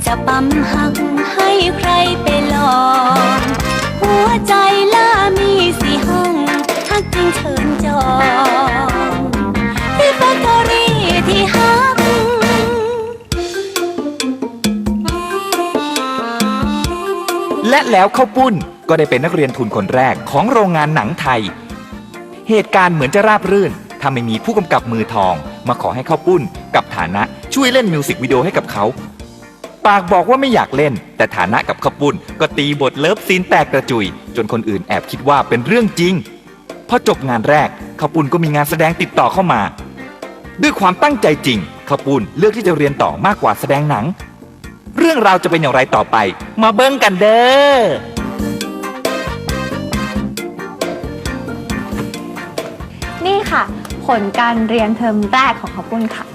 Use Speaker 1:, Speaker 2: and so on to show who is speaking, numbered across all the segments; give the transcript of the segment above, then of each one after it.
Speaker 1: จะปั๊มหักให้ใครไปลองหัวใจล่ามีสี่ห้องหักจริงเชิญจองที่แฟคทอรี่ที่หัก
Speaker 2: และแล้วข้าวปุ้นก็ได้เป็นนักเรียนทุนคนแรกของโรงงานหนังไทยเหตุการณ์เหมือนจะราบรื่นถ้าไม่มีผู้กำกับมือทองมาขอให้ข้าวปุ้นกับฐานะช่วยเล่นมิวสิกวิดีโอให้กับเขาปากบอกว่าไม่อยากเล่นแต่ฐานะกับข้าวปุ้นก็ตีบทเลิฟซีนแตกกระจุยจนคนอื่นแอบคิดว่าเป็นเรื่องจริงพอจบงานแรกข้าวปุ้นก็มีงานแสดงติดต่อเข้ามาด้วยความตั้งใจจริงข้าวปุ้นเลือกที่จะเรียนต่อมากกว่าแสดงหนังเรื่องราวจะเป็นอย่างไรต่อไปมาเบิ่งกันเด้อ
Speaker 3: นี่ค่ะผลการเรียนเทอมแรกของข้าวปุ้นค่ะ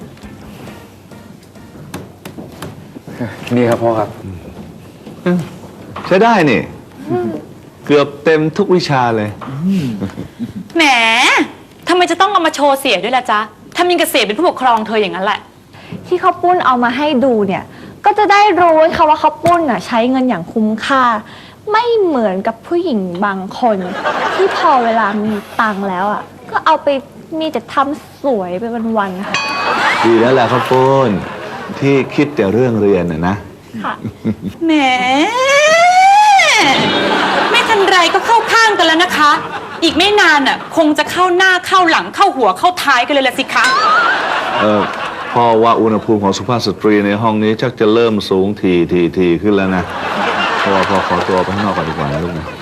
Speaker 4: นี่ครับพ่อครับใช้ได้นี่เกือบเต็มทุกวิชาเลย
Speaker 5: แหมทำไมจะต้องเอามาโชว์เสียด้วยล่ะจ๊ะทำยังกับเสียเป็นผู้ปกครองเธออย่างนั้นแหละ
Speaker 3: ที่ข้าวปุ้นเอามาให้ดูเนี่ยก็จะได้รู้ค่ะว่าข้าวปุ้นใช้เงินอย่างคุ้มค่าไม่เหมือนกับผู้หญิงบางคนที่พอเวลามีตังค์แล้วก็เอาไปมีแต่ทำสวยไปวันๆค่ะ
Speaker 4: ดีแล้วแหละข้าวปุ้นที่คิดแต่เรื่องเรียนนะ
Speaker 3: ค่ะ
Speaker 5: แหมไม่ทันไรก็เข้าข้างกันแล้วนะคะอีกไม่นานคงจะเข้าหน้าเข้าหลังเข้าหัวเข้าท้ายกันเลยละสิคะ
Speaker 4: พ่อว่าอุณหภูมิของสุภาพสตรีในห้องนี้ชักจะเริ่มสูงทีขึ้นแล้วนะพ่อขอตัวไปข้างนอกก่อนดีกว่านะลูกนะ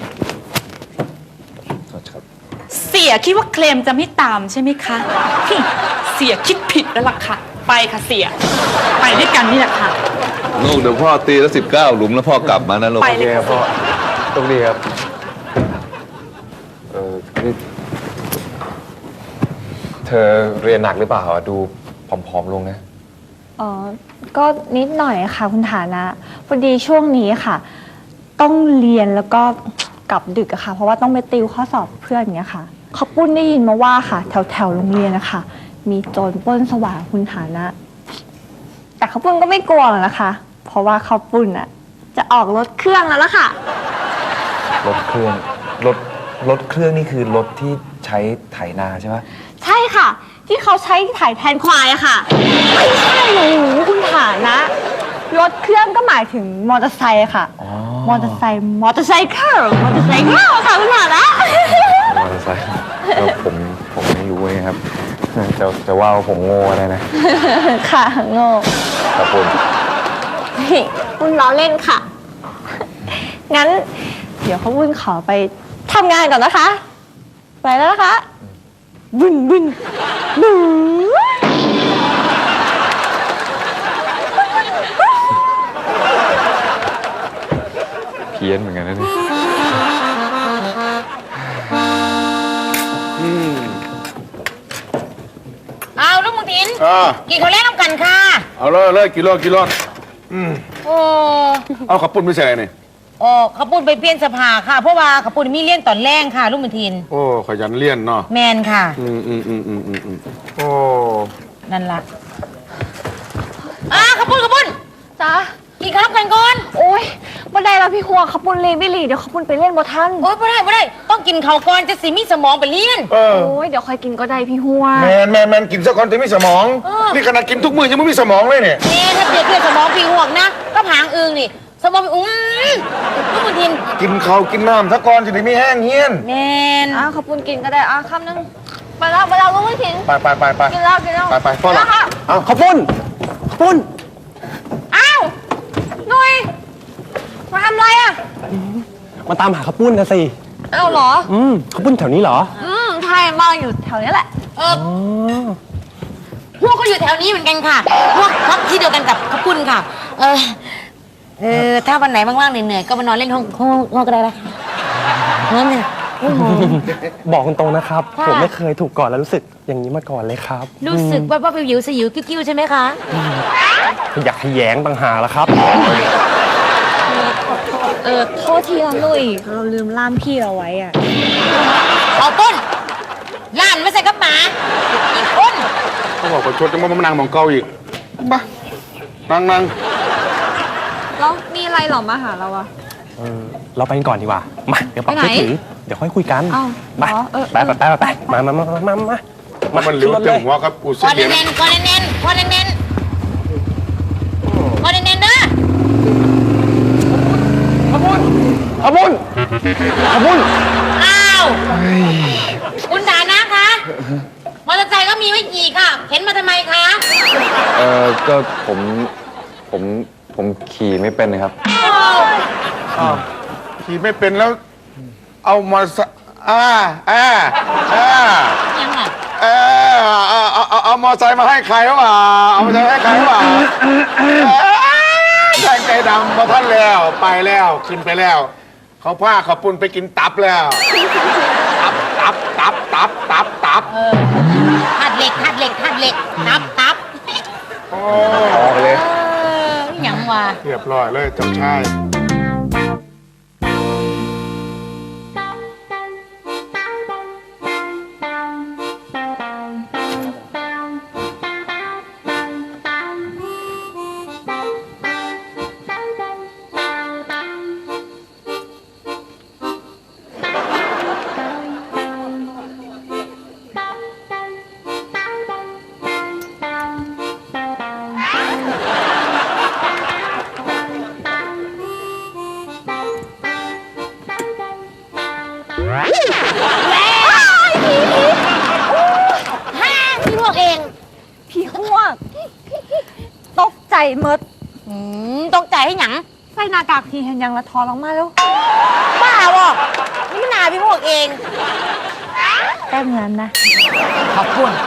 Speaker 5: เสียคิดว่าเคลมจะไม่ตามใช่ไหมคะเสียคิดผิดแล้วล่ะค่ะไปค่ะเสียไปด้วยกันนี่แหละค่ะ
Speaker 4: ลูกเดี๋ยวพ่อตีแล้ว19 หลุมแล้วพ่อกลับมานะลูก
Speaker 5: ไปเลย
Speaker 6: พ่อตรงนี้ครับนี่เธอเรียนหนักหรือเปล่าดูผอมๆลงนะ
Speaker 3: ก็นิดหน่อยค่ะคุณฐานะพอดีช่วงนี้ค่ะต้องเรียนแล้วก็กลับดึกอะค่ะเพราะว่าต้องไปติวข้อสอบเพื่อนอย่างเงี้ยค่ะข้าวปุ้นได้ยินมาว่าค่ะแถวโรงเรียนนะคะมีโจรปล้นสว่างคุณฐานะแต่ข้าวปุ้นก็ไม่กลัวหรอกนะคะเพราะว่าข้าวปุ้นจะออกรถเครื่องแล้วล่ะค่ะ
Speaker 6: รถเครื่องนี่คือรถที่ใช้ไถนาใช่ไหม
Speaker 3: ใช่ค่ะที่เขาใช้ไถแทนควายอะค่ะไม่ใช่หนูคุณฐานะรถเครื่องก็หมายถึงมอเตอร์ไซค์ค่ะมอเตอร์ไซค์ค่ะคุณฐานะ
Speaker 6: มอเตอร์ไซค์แล้วผมไม่รู้ไงครับจะว่าผมโง่อะไรนะ
Speaker 3: ค่ะโง่
Speaker 6: ครับ
Speaker 3: คุณล้อเล่นค่ะงั้นเดี๋ยวเขาวุ้นขอไปทำงานก่อนนะคะไปแล้วนะคะบึน
Speaker 6: เพี้ยนเหมือนกันนะนี่
Speaker 7: เอาลูกมุทินกินข้าวแลกน้ำกันค่ะ
Speaker 8: เอาเลยกินรถ
Speaker 7: โอ้
Speaker 8: เอาขับปุ่นไม่ใช่เนี่ย
Speaker 7: ขับปุ่นไปเปลี่ยนสภาค่ะเพราะว่าขับปุ่นมีเลี้ยนตอนแรกค่ะลูกมุทิน
Speaker 8: โอ้ขยันเลี้ยนเนาะ
Speaker 7: แมนค่ะ
Speaker 8: โอ้
Speaker 7: นั่นล่ะขับปุ่น
Speaker 3: จ้า
Speaker 7: กินข้าวกันก่อน
Speaker 3: โอ้ยบ่ได้แล้วพี่หัวขับปุ่นเรียนไม่หลีเดี๋ยวขับปุ่นไปเล่นบ่ทัน
Speaker 7: โอ้ยบ่ได้ต้องกินข้าวก่อนจะสิมีสมองไปเลี้ยน
Speaker 3: โอ้ยเดี๋ยวค่อยกินก็ได้พี่หัว
Speaker 8: แมนกินซะก่อนจะมีสมองนี่ขนาดกินทุกมื้อยังไม่มีสมองเลยเนี่ย
Speaker 7: ถ้าเปรียบเทียบสมองพี่หัวนะก็ผางอึงนี่สมองลูกมุทิน
Speaker 8: กินข้าวกินน้ำซะก่อนจะได้ไม่แห้งเฮี้ยน
Speaker 7: แมน
Speaker 3: ขับปุ่นกินก็ได้คำนึงไปแล้วลูกมุทิน
Speaker 8: ไป
Speaker 3: กินแล้ว
Speaker 8: ไปพ่อละ
Speaker 4: เอาข้าวปุ้น
Speaker 3: หนุ่ยมาทำอะไร
Speaker 9: มาตามหาข้าวปุ้นนะสิ
Speaker 3: เหรอ
Speaker 9: ข้าวปุ้นแถวนี้เหรอ
Speaker 3: ใช่มาอยู่แถวนี้แหละ
Speaker 7: พวกก็อยู่แถวนี้เหมือนกันค่ะพวกพักที่เดียวกันกับข้าวปุ้นค่ะถ้าวันไหนว่างๆเหนื่อยๆก็มานอนเล่นห้องก็ได้ละนั่นเนี่ย
Speaker 9: บอกคุณตรงนะครับผมไม่เคยถูกกอดแล้วรู้สึกอย่างนี้มาก่อนเลยครับ
Speaker 7: รู้สึกว่าวิวสยิวกิ้วใช่ไหมคะ
Speaker 9: อยากขยงต่างหากแล้วครับ
Speaker 3: โทษทีนะหนุ่ยเราลืมล่ามพี่เราไว้
Speaker 7: เอาต้นล่ามไม่ใส่กระป๋าอีกคน
Speaker 8: เขาบอกว่าชดจะมานั่งมองเกาอีกบ้านั่ง
Speaker 3: แล้วมีอะไรหรอมาหาเราอะ
Speaker 9: เราไปกันก่อนดีกว่า มาเดี๋ยวปรับ
Speaker 3: ไปไหน
Speaker 9: ช่วยถือ เดี๋ยวค่อยคุยกัน
Speaker 3: อ้าว
Speaker 9: ไป
Speaker 3: เหรอเออ
Speaker 9: ไปมามา
Speaker 8: มันเหลือ
Speaker 9: ขึ้นรถ
Speaker 8: เต็
Speaker 9: เล
Speaker 8: ม
Speaker 9: ย
Speaker 8: หัวครับปู
Speaker 7: ก
Speaker 8: เสี
Speaker 7: อด
Speaker 8: เดียน
Speaker 7: แน่นๆกอดแน่นๆกอดแน่นๆกอดแน่นๆเด้อ
Speaker 9: ขบุญ
Speaker 7: อ้าวคุณฐานะคะมอเตอร์ไซค์ก็มีไม่กี่ค่ะเข็นมาทำไมคะ
Speaker 6: ก็ผมขี่ไม่เป็นนะครับ
Speaker 8: ขี่ไม่เป็นแล้ว เอามาสะ
Speaker 7: ยังไง
Speaker 8: เอามอไซค์มาให้ใครวะเอามอไซค์ให้ใครวะแทงใจดำมาท่านแล้วไปแล้วขึ้นไปแล้ว เขาผ้าเขาปุ่นไปกินตับแล้วตับ
Speaker 7: ทัดเหล็กตับ
Speaker 8: โอ้
Speaker 6: ออกเลย
Speaker 7: ยังวะ
Speaker 8: เรียบร้อยเลยเจ้าชาย
Speaker 7: พี่พวกเอง
Speaker 3: พี่ฮวกตกใจเมด
Speaker 7: ตกใจให้หยัง
Speaker 3: ใส่หน้ากากพี่เห็นยังละทอนออกมาแล้ว
Speaker 7: บ้าบ่นี่มันนาพี่พวกเอง
Speaker 3: แต้มเงินนะ
Speaker 7: ขอบคุณ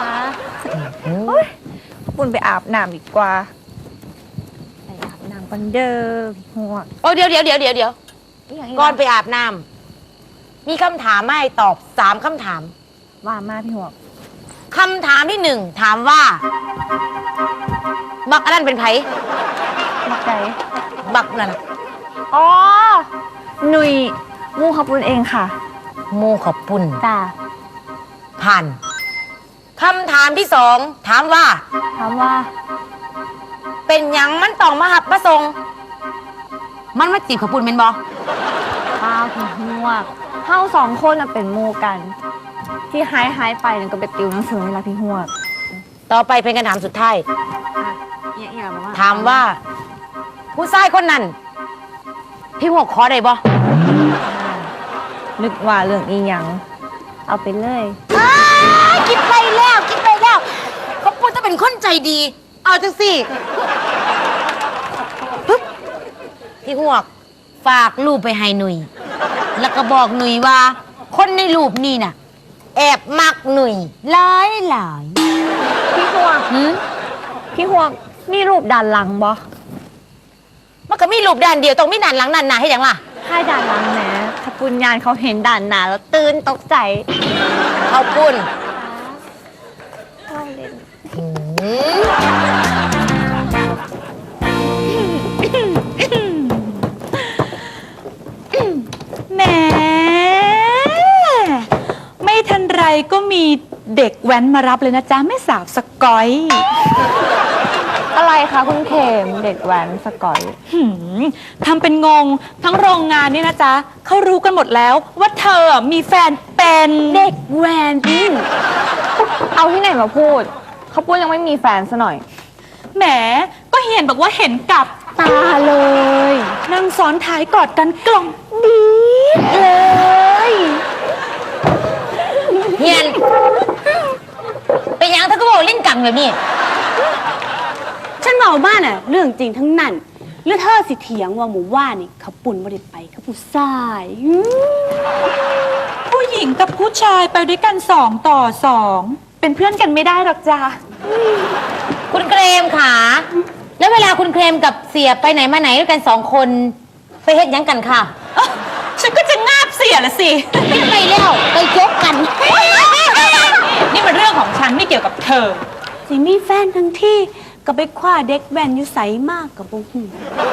Speaker 3: ปุ่นไปอาบน้ำดีกว่าไปอาบน้ำกันเด้อพี่ฮวก
Speaker 7: โอ้เดี๋ยวก่อนไปอาบน้ำมีคำถามให้ตอบ3คำถาม
Speaker 3: ว่ามาพี่ฮวก
Speaker 7: คำถามที่1ถามว่า บักอันนั้นเป็นไผ
Speaker 3: บักใจ
Speaker 7: บักนั่นน่ะ
Speaker 3: อ๋อ หนุ่ยมูขอบคุณเองค่ะ
Speaker 7: โมขอบปุ่น
Speaker 3: จ้า
Speaker 7: ผ่านคำถามที่2ถามว่า
Speaker 3: ถามว่า
Speaker 7: เป็นหยังมันต้องมาหับมาส่งมันมาจีบขอบปุ่นเป็นบอ
Speaker 3: ป้าพี่ฮวกเฮาสองคนน่ะเป็นหมูกัน ที่หายไปนั่นก็ไปติวหนังสือนี่ละพี่ฮวก
Speaker 7: ต่อไปเป็นคำถามสุดท้าย
Speaker 3: อย่าบอกว่า
Speaker 7: ถามว่า ผู้ชายคนนั้น พี่หัวขอได้บ่
Speaker 3: นึกว่าเรื่องอีหยัง เอาไปเลย
Speaker 7: คิดไปแล้วขอบปุ่นจะเป็นคนใจดี เอาจังสิปึ๊บพี่หัวฝากรูปไปให้หนุ่ยแล้วก็บอกหนุ่ยว่า คนในรูปนี่น่ะ แอบมักหนุ่ยหลาย
Speaker 3: พี่ฮวก
Speaker 7: หืม
Speaker 3: พี่ฮวกมีรูปด้านหลังบ่
Speaker 7: มันก็มีรูปด้านเดียวต้องมีด้านหลังด้านหน้าให้หยังล่ะ
Speaker 3: ให้ด้านหลังแหมขปุญญาณเขาเห็นด้านหน้าแล้วตื่นตกใจ
Speaker 7: เขาปุ่น
Speaker 3: เข้าเล่น
Speaker 5: แหมไม่ทันไรก็มีเด็กแว้นมารับเลยนะจ๊ะแม่สาวสกอย
Speaker 3: อะไรคะคุณเขมเด็กแว้นสกอย
Speaker 5: หืมทำเป็นงงทั้งโรงงานนี่นะจ๊ะเขารู้กันหมดแล้วว่าเธอมีแฟนเป็นเด็กแว้น
Speaker 3: เอาที่ไหนมาพูดเขาปุ้นยังไม่มีแฟนซะหน่อย
Speaker 5: แหมก็เห็นบอกว่าเห็นกับตาเลยนั่งซ้อนท้ายกอดกันกล่อมดีเลย
Speaker 7: เฮียนเป็นหยังเธอก็บอกเล่นกังแบบนี้
Speaker 10: ฉันเมาบ้านน่ะเรื่องจริงทั้งนั้นหรือเธอสิเถียงว่าหมู่ว่านี่เขาปุ่นบ่ได้ไปเขาผู้ชาย
Speaker 5: ผู้หญิงกับผู้ชายไปด้วยกัน2 ต่อ 2เป็นเพื่อนกันไม่ได้หรอกจ้ะ
Speaker 7: คุณเครมค่ะ แล้วเวลาคุณเครมกับเสียไปไหนมาไหนด้วยกัน2 คนไปเฮ็ดหยังกันค่ะ
Speaker 5: ฉันก็จะงาบเสียละสิ
Speaker 7: ไปแล้วไปจบกัน
Speaker 5: นี่มันเรื่องของฉันไม่เกี่ยวกับเธอ
Speaker 10: สิมีแฟนทั้งที่ก็ไปคว้าเด็กแว่นอยู่ไสมากกับบ่ฮู้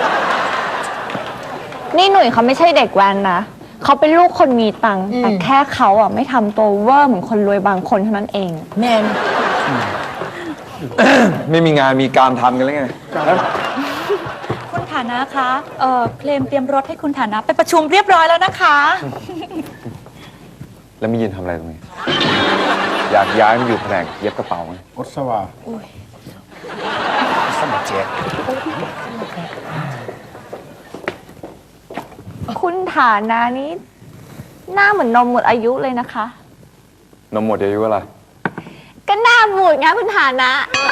Speaker 3: นี่หนุ่ยเขาไม่ใช่เด็กแว้นนะเขาเป็นลูกคนมีตังค์แต่แค่เขาอ่ะไม่ทำตัวเวอร์เหมือนคนรวยบางคนเท่านั้นเอง
Speaker 7: แมน
Speaker 6: ไม่มีงานมีการทำกันแล้วไง
Speaker 3: คุณเข
Speaker 5: ฐานะคะเคลมเตรียมรถให้คุณฐานะไปประชุมเรียบร้อยแล้วนะคะ
Speaker 6: แล้วมียืนทำอะไรตรงนี้ อยากย้ายมาอยู่แผนกเย็บกระเป๋าไง
Speaker 8: อดสวาสมัครเจ๊
Speaker 3: คุณฐานะนี้หน้าเหมือนนมหมดอายุเลยนะคะ
Speaker 6: นมหมดอายุอะไร
Speaker 3: ก็หน้าบูดไงคุณฐานะ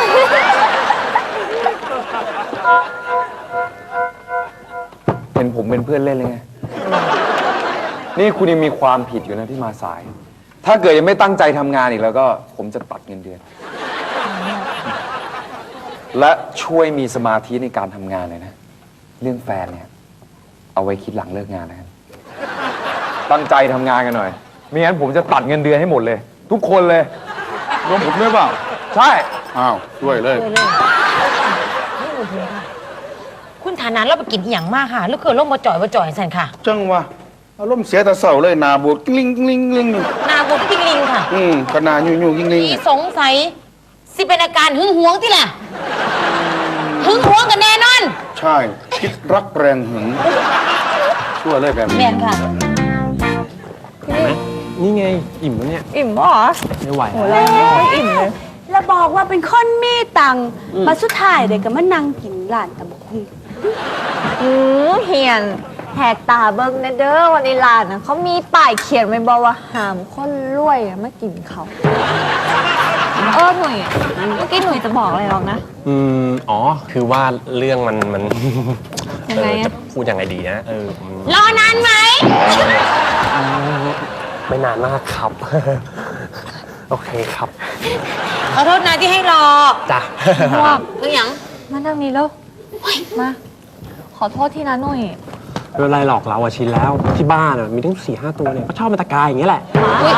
Speaker 6: เห็นผมเป็นเพื่อนเล่นเลยไง นี่คุณยังมีความผิดอยู่นะที่มาสาย ถ้าเกิดยังไม่ตั้งใจทำงานอีกแล้วก็ผมจะตัดเงินเดือน และช่วยมีสมาธิในการทำงานเลยนะ เรื่องแฟนเนี่ย เอาไว้คิดหลังเลิกงานนะครับตั้งใจทำงานกันหน่อยไม่งั้นผมจะตัดเงินเดือนให้หมดเลย ทุกคนเลย
Speaker 8: รวมผมด้วยเปล่า
Speaker 6: ใช่
Speaker 8: อ้าวด้วยเลย
Speaker 7: คุณฐานะเราไปกินอหย่างมากค่ะแล้วคือล่มมาจ่อยสันค่ะ
Speaker 8: จังวะอารมณ์เสียแต่เศร้าเลยหนาบูดกิ้งลิงกิ้งลิงกิ้งลิง
Speaker 7: นาบุตรกิ้งลิงค่ะ
Speaker 8: ก็หนายุ่งกิ้งลิง
Speaker 7: พี่สงสัยสิเป็นอาการหึงหวงที่ล่ะหึงหวงกันแน่นอน
Speaker 8: ใช่คิดรักแรงหึงชั่วเลยแบบ
Speaker 7: แม่
Speaker 8: นี้
Speaker 7: นค่ะ
Speaker 9: นี่ไง อิ่มแล้วเนี่ย
Speaker 3: อิ่มปะเหรอ
Speaker 9: ไม่ไหว
Speaker 3: โหเราไม่ค่อยอิ่มเลย
Speaker 10: แล้วบอกว่าเป็นคนมีตังค์มาสุดท้ายเด็กก็มานั่งกินร้านตำบักหุ่ง
Speaker 3: เฮียนแหกตาเบิ้งนะเด้อวันนี้ร้านนะเขามีป้ายเขียนไว้บอกว่าห้ามคนรวยอะมากินเขาหนุ่ยเมื่อกี้หนุ่ยจะบอกอะไรหรอกนะ
Speaker 9: อ๋อ คือว่าเรื่องมัน
Speaker 3: ยังไงอะ
Speaker 9: จะพูดยังไงดีนะ
Speaker 7: รอนานไหม
Speaker 9: ไม่นานมากครับ โอเคครับ
Speaker 7: ขอโทษนะที่ให้รอ
Speaker 9: จ้ะ
Speaker 3: พวก
Speaker 7: เรื่องหยัง
Speaker 3: มาทางนี้แล้วมา ขอโทษที่นะหนุ่ย
Speaker 9: ไม่เป็นไรหรอกเราอะชินแล้ว ที่บ้านอะมีตั้ง4-5 ตัวเนี่ยก็ชอบมาตะกายอย่างเงี้ยแหละ
Speaker 7: อุ๊ย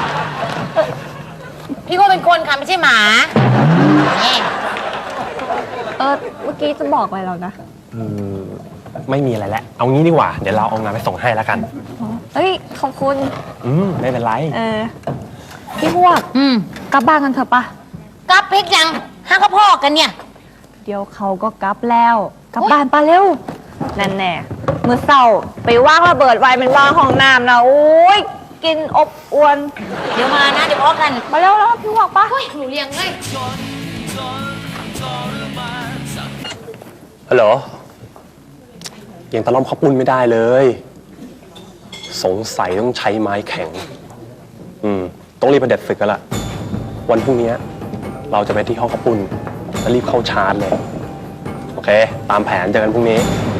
Speaker 7: พี่ก็เป็นคนค่ะไม่ใช่หมาแม่
Speaker 3: เมื่อกี้จะบอกอะไรเรานะ
Speaker 9: ไม่มีอะไรแล้วเอางี้ดีกว่า เดี๋ยวเราเอางานไปส่งให้แล้วกัน
Speaker 3: เฮ้ย ขอบคุณ
Speaker 9: ไม่เป็นไร
Speaker 3: พี่พวกกลับบ้านกันเถอะปะ
Speaker 7: กลับเพกยังห้าข้าพ่อกันเนี่ย
Speaker 3: เดี๋ยวเขาก็กลับแล้ว กลับบ้านปะเร็ว นั่นแน่มือเศร้าไปว่างระเบิดไว้เป็นว่างห้องน้ำนะโอ้ยกินอบอวน
Speaker 7: เดี๋ยวมานะเดี๋ยวพ่อกัน
Speaker 3: มาเร็วแล้วพี่พวกปะ
Speaker 7: หนูเลี้ยงเลย
Speaker 9: ฮัลโหลยังตะล่อมข้าวปุ้นไม่ได้เลย สงสัยต้องใช้ไม้แข็ง ต้องรีบไปเด็ดฝึกกันละวันพรุ่งนี้เราจะไปที่ห้องข้าวปุ้นแล้วรีบเข้าชาร์จเลย โอเค ตามแผนเจอกันพรุ่งนี้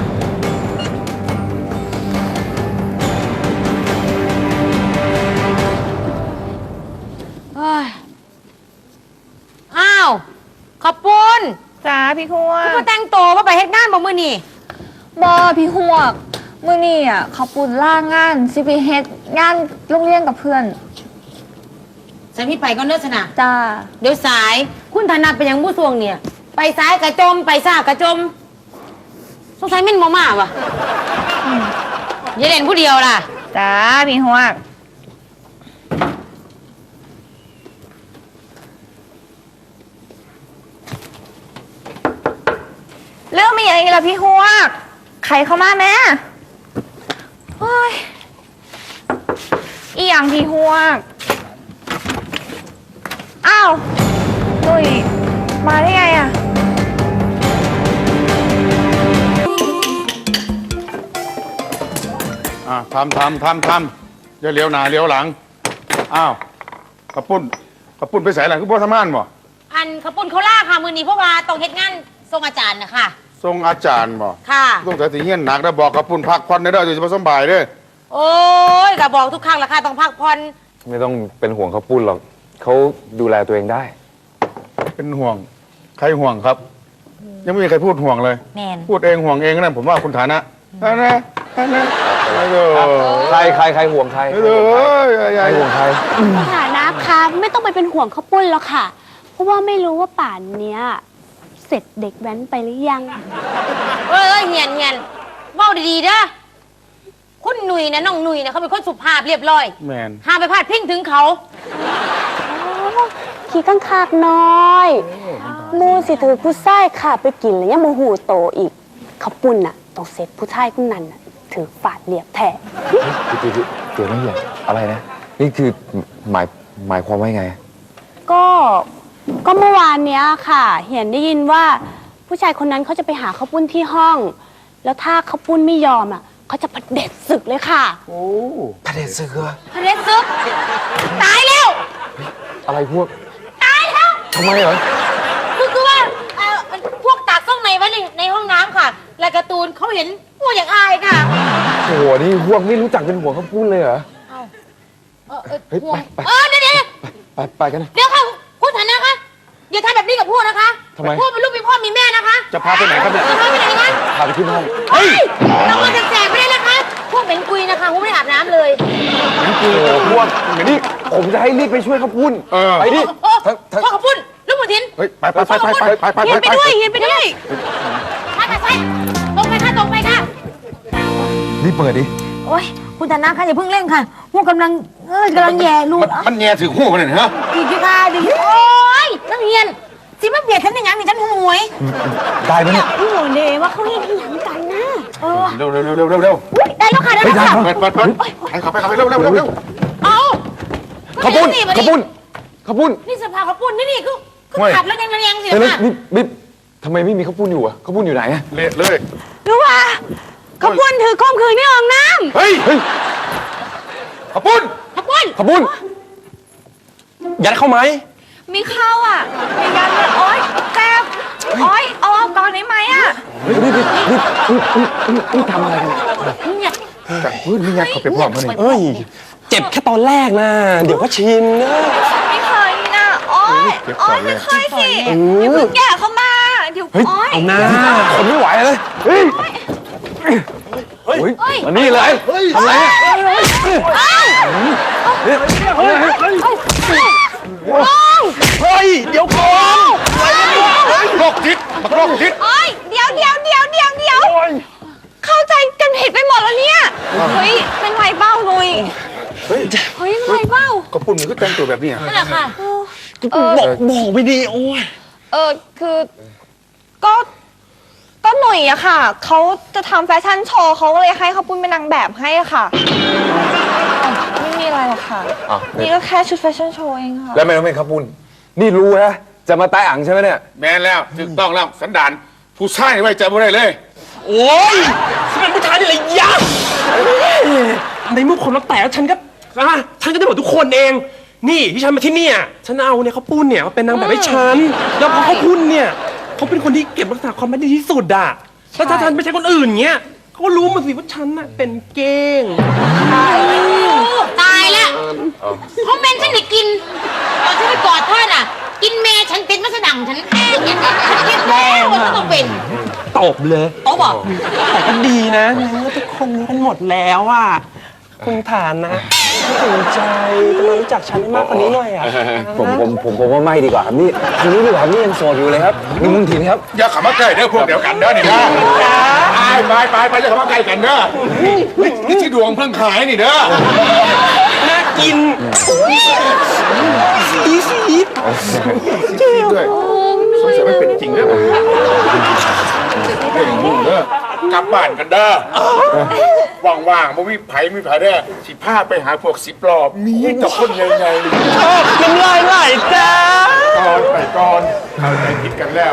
Speaker 7: อ้าวขอบปุณ
Speaker 3: จ้าพี่พวก
Speaker 7: มาแต่งตัวว่าไปเฮ็ดงานบ่มื้อนี่
Speaker 3: บอพี่พวกมื้อนี้อ่ะเขาปุ่นล่างานสิไปเฮ็ดงานโรงเรียนกับเพื่อน
Speaker 7: ฉันพี่ไปก็เนิร์สนะ
Speaker 3: จ้า
Speaker 7: เดี๋ยวสายคุณธนัดไปยังผู้ทรวงเนี่ย ไปซ้ายกระจมไปซ้ายกระจมสงสัยเม่นมาวะอย่าเล่นผู้เดียวล่ะ
Speaker 3: จ้าพี่พวกเรื่องมีอะไรกันล่ะพี่ฮวกใครเข้ามาแม่โอ้ยอีหยังพี่ฮวกอ้าวตุยมาได้ไงอะ
Speaker 8: ทำอย่าเลี้ยวหน้าเลี้ยวหลังอ้าวกระปุ้นไปใส่หลังคือพ่อทำงานบ่
Speaker 7: อันขปุ่นเขาล่าค่ะ มือนี้เพราะว่าต้องเฮ็ดงานส่งอาจารย์นะคะ
Speaker 8: ทรงอาจารย์บ่
Speaker 7: ค่ะ
Speaker 8: ต้องแต่สีเฮี้ยนหนักนะบอกกระปุ้นพักผ่อนได้เด้อจะมาสบายเด้อ
Speaker 7: โอ้ยก็บอกทุกครั้งละค่ะต้องพักผ่อน
Speaker 6: ไม่ต้องเป็นห่วงข้าวปุ้นหรอกเขาดูแลตัวเองได้
Speaker 8: เป็นห่วงใครห่วงครับ ยังไม่มีใครพูดห่วงเลย
Speaker 7: แมน
Speaker 8: พูดเองห่วงเองนั่นผมว่าคุณฐานะนะ
Speaker 6: ใครห่วงใคร ใครห่วงใคร
Speaker 10: ฐานะคะไม่ต้องไปเป็นห่วงข้าวปุ้นแล้วค่ะ เพราะว่าไม่รู้ว่าป่านเนี้ยเสร็จเด็กแว้นไปหรือยัง
Speaker 7: เอ้ยเงียนเว้าดีๆเด้อคุณหนุ่ยนะน้องหนุ่ยนะเขาเป็นคนสุภาพเรียบร้อย
Speaker 8: แมน
Speaker 7: ห้ามไปพาดพิงถึงเขา
Speaker 10: ขี้ข้างคากน้อยมูสิถือผู้ไส้ค่ะไปกินแล้วยังโมโหโตอีกเขาปุ้นน่ะต้องเสร็จผู้ชายคนนั้นน่ะถือฝาดเรียบแท้
Speaker 6: เดี๋ยวไม่เหี้ยอะไรนะ นี่คือหมายความว่าไง
Speaker 10: ก็เมื่อวานเนี้ยค่ะเห็นได้ยินว่าผู้ชายคนนั้นเขาจะไปหาข้าวปุ้นที่ห้อง แล้วถ้าข้าวปุ้นไม่ยอมอ่ะเขาจะเผด็จศึกเลยค่ะ
Speaker 6: พระเดชศึกเหรอ
Speaker 10: เผด็จศึกตายแล้ว
Speaker 6: อะไรพวก
Speaker 10: ตายแล้ว
Speaker 6: ทำไมเหรอ
Speaker 7: คือว่าพวกตากส้มในไว้ในห้องน้ำค่ะและการ์ตูนเขาเห็นพวกอย่างอายค่ะ
Speaker 6: โอ้โห นี่พวกไม่รู้จักเป็นหัวเขาพูดเลยเหรอ เฮ้ย ไป
Speaker 7: เดี๋ยว
Speaker 6: ไปกันนะ
Speaker 7: เดี๋ยวค่ะคุณฐานะคะอย่าทำแบบนี้กับพวกนะคะ
Speaker 6: ทำไม
Speaker 7: พวกเป็นลูกมีพ่อมีแม่นะคะ
Speaker 8: จะพาไปไหนครับเนี่ย
Speaker 7: จะพาไปไหนคะ
Speaker 6: พาไปขึ้นห้อง
Speaker 7: เฮ้ยเรามาแจกไม่ได้นะคะ พวกเป็นกุยนะคะพวกไม่ได้อาบน้ำเลย
Speaker 6: โอ้โหพวกนี่ผมจะให้รีบไปช่วยเขาพูด ไปดิ
Speaker 7: พ่อขอบคุณลูกหมูทิน
Speaker 8: เฮ้ย ไป
Speaker 10: เฮียนไปด้วยเฮียนไปด้วย
Speaker 7: ค่ะใช่ตรงไปค่ะตรงไปค่ะ
Speaker 6: รีบเปิดดิ
Speaker 7: โอ๊ยคุณฐานะคะอย่าเพิ่งเร่งค่ะพวกกำลังแย่ลูก
Speaker 8: มันแง่ถือหูมันเนี่ยฮะ
Speaker 7: ดีดีค่ะดีโอ๊ยนักเรียนสิมาเบียดฉันอย่างนั้นนี่ฉันหวย
Speaker 6: ได้ไหมเนี่ย
Speaker 10: พี่โหนเดว่าเขาเรียนที่หลังกันนะ
Speaker 8: เร็ว
Speaker 7: อุ๊ยได้แล้วค่ะได้แล้วค่ะ
Speaker 8: เปิดไปขับไปเร็ว
Speaker 7: เอา
Speaker 6: ขบุ้นขบุ้นขบุ้น
Speaker 7: นี่สภาเขาปุ่นนี่คือขับแล้วยังสิ
Speaker 6: เฮ้ย
Speaker 7: ค่ะ
Speaker 6: นี่ทำไมไม่มีข้าวปุ้นอยู่อะข้าวปุ้นอยู่ไหนอะ
Speaker 8: เละเลย
Speaker 10: รู้ว่าเขาปุ้นถือข้อมคืนที่ห้องน้ำ
Speaker 8: เฮ้ยขปุ้น
Speaker 7: ขับปุ่น
Speaker 6: ข้าวปุ้นยัดเข้าไหม
Speaker 3: มีข้าวอ่ะมีกันเลยโอ๊ยแซ่บโอ๊ยเอาก่อนได้ไหมอ่ะ
Speaker 6: นี่ทำอะไรกัน
Speaker 7: เนี่ย
Speaker 6: นี่ยัดเข้าไปพร้อมกันนี่
Speaker 9: เอ้ย เจ็บแค่ตอนแรกนะ เดี๋ยวก็ชินนะ
Speaker 3: ไม่เคยนะโอ๊ยโอ๊ยไม่เคยสิอย่าเพิ่งแก่เข้ามาเดี๋ยว
Speaker 9: เฮ้ย
Speaker 3: โอ๊ย
Speaker 9: เอาหน้า
Speaker 6: คนไม่ไหวเลยเฮ้ยมานี่เลยทำไรเฮ้ย เดี๋ยวก่อน
Speaker 8: โรคจิตโรคจิต
Speaker 3: โอ๊ยเดี๋ยวเข้าใจกันผิดไปหมดแล้วเนี่ยเฮ้ยเป็นไรเบ้าหนุ่ยเฮ้ยเป็นไรเบ้า
Speaker 8: ขปุ้นมันก็แต่งตัวแบบนี้
Speaker 7: นั่นแหละค่ะ
Speaker 9: บอกไปดีโอ้ย
Speaker 3: คือก็หนุ่ยอะค่ะเขาจะทำแฟชั่นโชว์เขาก็เลยให้เขาปุ้นเป็นนางแบบให้อะค่ะไม่มีอะไรหรอกค่ะนี่ก็แค่ชุดแฟชั่นโชว์เองค่ะ
Speaker 6: แล้วไม่ต้องเป็นข้าวปุ้นนี่รู้นะจะมาตายอ่างใช่ไหมเนี่ย
Speaker 8: แม่นแล้วถูกต้องแล้วสันดานผู้ชายไว้ใจไม่ได้เลย
Speaker 9: โอ้ยฉันเป็นผู้ชายนี่เลยยากในเมื่อคนเราแตกฉันก็ได้หมดทุกคนเอง นี่ที่ฉันมาที่เนี่ยฉันเอาเนี่ยเขาปุ้นเนี่ยมาเป็นนางแบบให้ฉันแล้วพอเขาปุ้นเนี่ยเขาเป็นคนที่เก็บรักษาความลับดีที่สุดอะแล้วถ้าฉันไม่ใช่คนอื่นเงี้ยเขาก็รู้มาสิว่าฉันน่ะเป็นเก้ง
Speaker 7: ตายแล้วเขาเมนฉันได้กินตอนฉันไปกอดท่านอ่ะ กินเมย์ฉันเป็นมัสดังฉันฉันคิดแล้วว่าฉันต้องเป็น
Speaker 9: ตบเลย
Speaker 7: โต๊ะบอก
Speaker 9: แต่ก็ดีนะในเมื่อทุกคนรู้กันหมดแล้วอะคุณฐานนะไม่สนใจจะมารู้จักฉันให้มากกว่านี้หน่อยอะ
Speaker 6: ผมว่าไม่ดีกว่าครับนี่ทีนี้ดีกว่านี่ยังโสดอยู่เลยครับนี่มึงทีนะครับ
Speaker 8: อย่าขับมาใกล้เด้อพวกเดียวกันเด้อนี่นะไปอย่าขับมาใกล้กันเด้อนี่ที่ดวงเพิ่งขายนี่เด้อ
Speaker 9: น่ากินสี
Speaker 8: ด้วยสงสัยไม่เป็นจริงเด้อเด้อกลับบ้านกันเด้อว่างๆบ่มีไผเด้อสิพาไปหาพวก10 รอบมีแต่คนใหญ่ๆ
Speaker 9: น้ำลายไหลจ้า
Speaker 8: ก่อนเข้าใจผิดกันแล้ว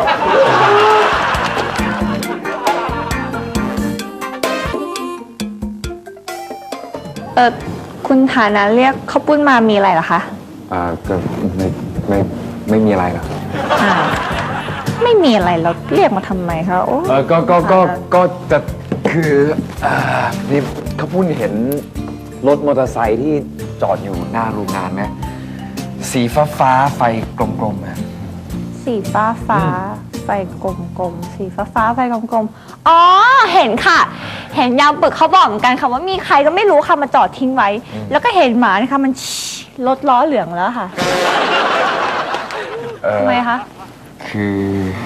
Speaker 3: คุณฐานะเรียกข้าวปุ้นมามีอะไรเหรอคะ
Speaker 6: ก็ไม่มีอะไรหรอก
Speaker 3: ไม่มีอะไรเราเรียกมาทำไมคะโอ้
Speaker 6: ก็จะคือนี่เขาพูดเห็นรถมอเตอร์ไซค์ที่จอดอยู่หน้าโรงงานไหมสีฟ้าไฟกลมๆนะ
Speaker 3: สีฟ้าไฟกลมๆสีฟ้าไฟกลมๆอ๋อเห็นค่ะ เห็นยามปึกเขาบอกเหมือนกันค่ะว่ามีใครก็ไม่รู้ค่ะมาจอดทิ้งไว้ แล้วก็เห็นหมานะคะมันรถล้อเหลืองแล้วค่ะทำไมคะ
Speaker 6: คือ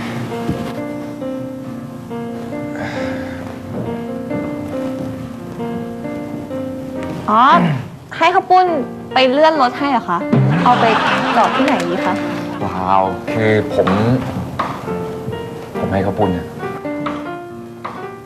Speaker 3: อ๋อ ให้ข้าวปุ้นไปเลื่อนรถให้เหรอคะ เอาไปจอดที่ไหนดีคะ
Speaker 6: ว้าวคือผมให้เขาปุ้นเนี่ย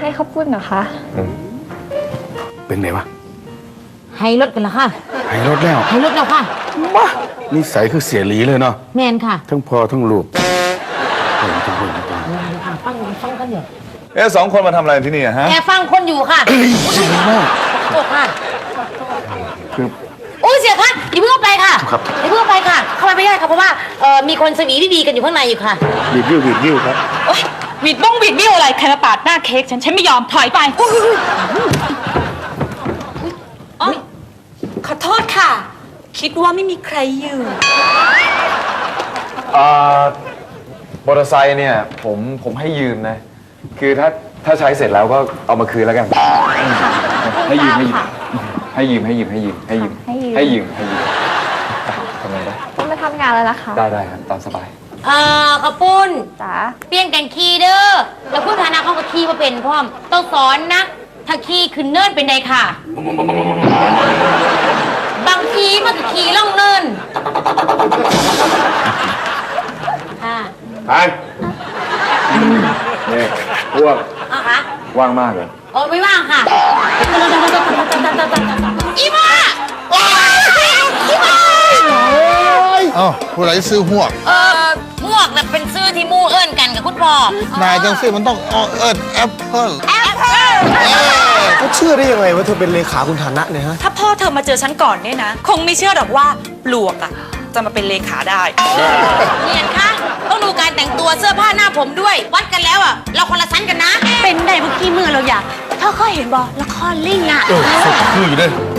Speaker 3: ให้ข้าวปุ้นเหรอคะ
Speaker 8: เป็นไงวะ
Speaker 7: ให้รถกันละค่ะ
Speaker 8: ให้รถแล้ว
Speaker 7: ให้รถแล้วค่ะ
Speaker 8: มานิสัยคือเสียหลีเลยเนาะ
Speaker 7: แมนค่ะ
Speaker 8: ทั้งพ่อทั้งลูกเห็นทั้งคน
Speaker 7: ฟังกันเดี๋ยว
Speaker 4: เอ๊ะ2 คนมาทำอะไรที่นี่อะฮะ
Speaker 7: แกฟังคนอยู่ค่ะโอ้ค่ะ
Speaker 8: คือ
Speaker 7: โอ้ยเสียคะอย่าเพิ่งเข้าไปค่ะอย่าเพิ่งเข้าไปค่ะ เข้าไปไม่ได้ค่ะเพราะว่ามีคนสวีดีๆกันอยู่ข้างในอยู่ค่ะ
Speaker 8: บีบยิ้วครับ
Speaker 5: โอ๊ยบิดบ้องบิดบิ้วอะไร ใครมาปาดหน้าเค้กฉันไม่ยอมถอยไปโอ๊ยขอโทษค่ะ คิดว่าไม่มีใครอยู่
Speaker 6: มอเตอร์ไซค์เนี่ยผมให้ยืมนะ คือถ้าใช้เสร็จแล้วก็เอามาคืนแล้วกัน ให้ยืมทำไงได้
Speaker 3: ต้องไปทำงานแล้วนะคะ
Speaker 6: ได้ครับตามสบาย
Speaker 7: ข้าวปุ้น
Speaker 3: จ๋า
Speaker 7: เปลี่ยนกันขี่เด้อ แล้วพูดฐานะเขาก็ขี่มาเป็นพร้อม ต้องสอนนะ ถ้าขี่ขึ้นเนินเป็นไงค่ะ บางทีมันก็ขี่ล่องเนิน ค่ะ
Speaker 6: ไปนี่พวก
Speaker 7: เอาคะ
Speaker 6: ว่างมากเลย
Speaker 7: โอ้ไม่ว่างค่ะ อีมาอีมา
Speaker 11: เอ้าผู้ไรซื้อหวก
Speaker 7: หมวกน่ะเป็นชื่อที่มู่เอิ้นกันกับคุณพ่อน
Speaker 11: ายจังซื้อมันต้องเอิญแอปเปิล
Speaker 7: แอปเปิ้ล
Speaker 9: เขาเชื่อได้ยังไงว่าเธอเป็นเลขาคุณฐานะเนี่ยฮะ
Speaker 5: ถ้าพ่อเธอมาเจอฉันก่อนเนี่ยนะ คงไม่เชื่อหรอกว่าปลวกอะจะมาเป็นเลขาได้
Speaker 7: เนียนคะต้องดูการแต่งตัวเสื้อผ้าหน้าผมด้วย วัดกันแล้วอ่ะ เราคนละชั้นกันนะ
Speaker 10: เป็นได้เมื่อกี้มือเราอยากเธอเคยเห็นบอละครลิงอ่ะ
Speaker 11: คืออยู่ด้วย